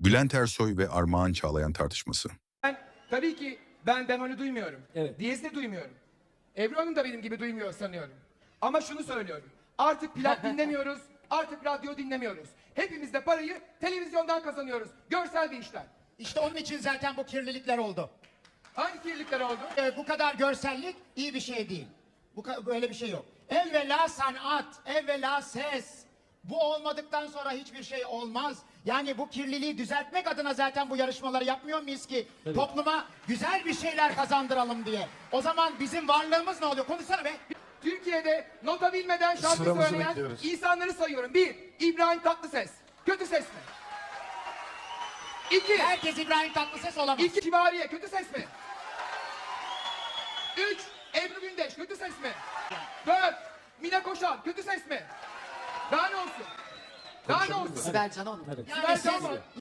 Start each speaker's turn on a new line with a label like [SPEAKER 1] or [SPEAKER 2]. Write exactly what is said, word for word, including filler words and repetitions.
[SPEAKER 1] Bülent Ersoy ve Armağan Çağlayan tartışması.
[SPEAKER 2] Ben, tabii ki ben bemolü duymuyorum.
[SPEAKER 3] Evet.
[SPEAKER 2] Diyezi de duymuyorum. Ebru Hanım da benim gibi duymuyor sanıyorum. Ama şunu söylüyorum. Artık plak dinlemiyoruz, artık radyo dinlemiyoruz. Hepimiz de parayı televizyondan kazanıyoruz. Görsel bir işler.
[SPEAKER 4] İşte onun için zaten bu kirlilikler oldu.
[SPEAKER 2] Hangi kirlilikler oldu?
[SPEAKER 4] Ee, bu kadar görsellik iyi bir şey değil. Bu ka- böyle bir şey yok. Evvela sanat, evvela ses. Bu olmadıktan sonra hiçbir şey olmaz. Yani bu kirliliği düzeltmek adına zaten bu yarışmaları yapmıyor muyuz ki?
[SPEAKER 3] Evet.
[SPEAKER 4] Topluma güzel bir şeyler kazandıralım diye. O zaman bizim varlığımız ne oluyor? Konuşsana be.
[SPEAKER 2] Türkiye'de nota bilmeden şarkı
[SPEAKER 5] Sıramızı
[SPEAKER 2] söyleyen
[SPEAKER 5] bekliyoruz.
[SPEAKER 2] insanları sayıyorum. Bir, İbrahim Tatlıses. Kötü ses mi? İki,
[SPEAKER 4] Herkes İbrahim Tatlıses olamaz.
[SPEAKER 2] iki Kibariye. Kötü ses mi? Üç, Ebru Gündeş. Kötü ses mi? Dört, Mine Koşan. Kötü ses mi? Daha ne olsun? Daha ne olsun?
[SPEAKER 6] Sibel Can Hanım.
[SPEAKER 3] Evet.
[SPEAKER 4] Yani
[SPEAKER 2] Sibel
[SPEAKER 4] siz
[SPEAKER 2] Can mı?